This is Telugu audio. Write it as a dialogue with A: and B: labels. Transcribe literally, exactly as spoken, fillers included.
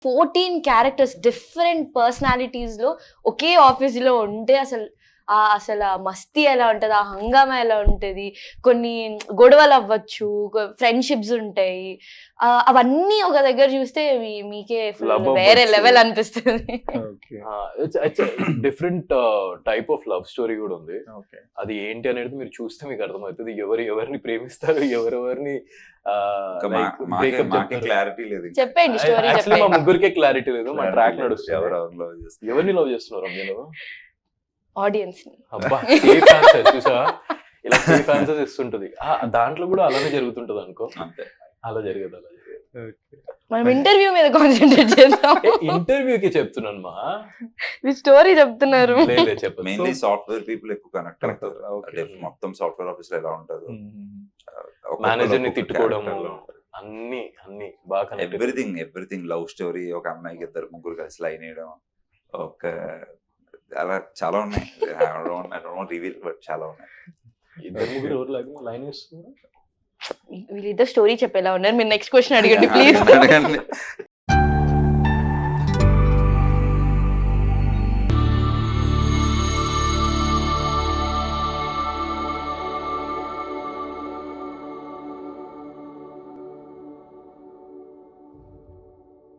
A: ఫోర్టీన్ క్యారెక్టర్స్ డిఫరెంట్ పర్సనాలిటీస్ లో ఒకే ఆఫీస్ లో ఉంటే అసలు ఆ అసలు ఆ మస్తీ ఎలా ఉంటది, ఆ హంగామా ఎలా ఉంటది, కొన్ని గొడవలు అవ్వచ్చు, ఫ్రెండ్షిప్స్ ఉంటాయి, అవన్నీ ఒక దగ్గర చూస్తే మీకే వేరే లెవెల్ అనిపిస్తుంది.
B: Different type of love story కూడా ఉంది. అది ఏంటి అనేది మీరు చూస్తే మీకు అర్థమవుతుంది. ఎవరు ఎవరిని ప్రేమిస్తారు, ఎవరెవరిని
C: క్లారిటీ లేదు.
A: చెప్పండి స్టోరీ.
B: మా ముగ్గురికే క్లారిటీ లేదు. మా ట్రాక్ నడుస్తుంది. ఎవరిని లవ్ చేస్తున్నారు మీరు?
A: ఆడియన్స్.
B: అబ్బా సేఫ్ ఆన్సర్ చూసావా, ఇలా సేఫ్ ఆన్సర్స్ ఇస్తుంటది. దాంట్లో కూడా అలానే జరుగుతుంటది అనుకో. అలా జరగదు, అలా జరగదు.
A: మనం ఇంటర్వ్యూ మీద కాన్సంట్రేట్ చేద్దాం.
B: ఇంటర్వ్యూకి చెప్తున్నాను మా
A: మీ స్టోరీ చెప్తున్నారు.
C: మెయిన్లీ సాఫ్ట్వేర్ పీపుల్ ఎక్కువ కనెక్ట్ అవుతారు. మొత్తం సాఫ్ట్వేర్ ఆఫీస్ లో ఎలా ఉంటదో,
B: మేనేజర్ ని తిట్టుకోవడం, అన్ని అన్ని బాగా
C: ఎవ్రీథింగ్ ఎవ్రీథింగ్ లవ్ స్టోరీ. ఒక అమ్మాయికి ఇద్దరు ముగ్గురు కలిసి లైన్ వేయడం, ఒక అలా చాలా ఉన్నాయి. రివీల్ బట్ చాలా ఉన్నాయి.
B: ఇద్దరు ముగ్గురు ఎవరు లైన్ వేస్తున్నారు?
A: వీళ్ళిద్దరు స్టోరీ చెప్పేలా ఉన్నారు. మీరు నెక్స్ట్ క్వశ్చన్ అడగండి ప్లీజ్.